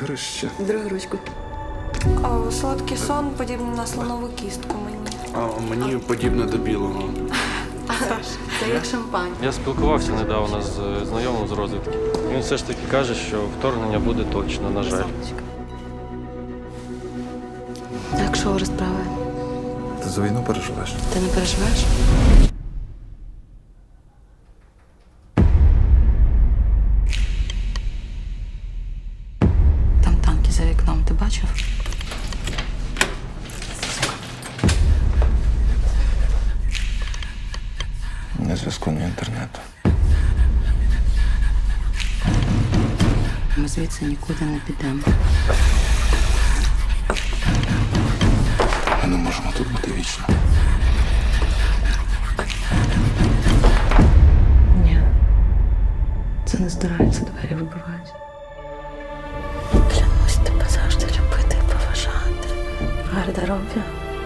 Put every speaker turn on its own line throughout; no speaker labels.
Ігрище.
Другу ручку.
Солодкий сон подібний на слонову кістку мені.
А мені подібне до білого.
Це як шампань.
Я спілкувався недавно з знайомим з розвідки. Він все ж таки каже, що вторгнення буде точно, на жаль.
Як що розправи?
Ти за війну переживеш?
Ти не переживаєш? Там танки за вікном, ти бачив?
Ні зв'язку, ні інтернету.
Ми звідси нікуди не підемо.
Ми не можемо тут бути вічно.
Ні. Це не здирається, двері вибивають. Клянусь тебе завжди любити і поважати. В гардеробі,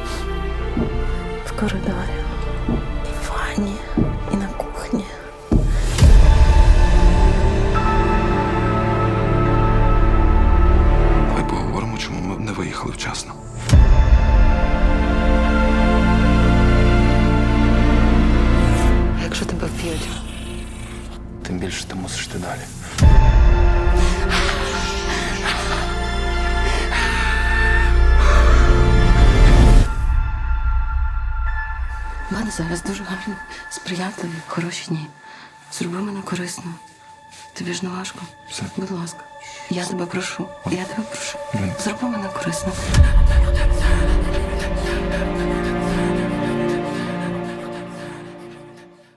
в коридорі, в ванні і на кухні.
Давай поговоримо, чому ми не виїхали вчасно.
А якщо тебе вб'ють?
Тим більше ти мусиш ти далі.
У мене зараз дуже гарні, сприятливі, хороші дні. Зроби мене корисно. Тобі ж не важко?
Все.
Будь ласка. Я тебе прошу. Я тебе прошу.
Блін.
Зроби мене корисно.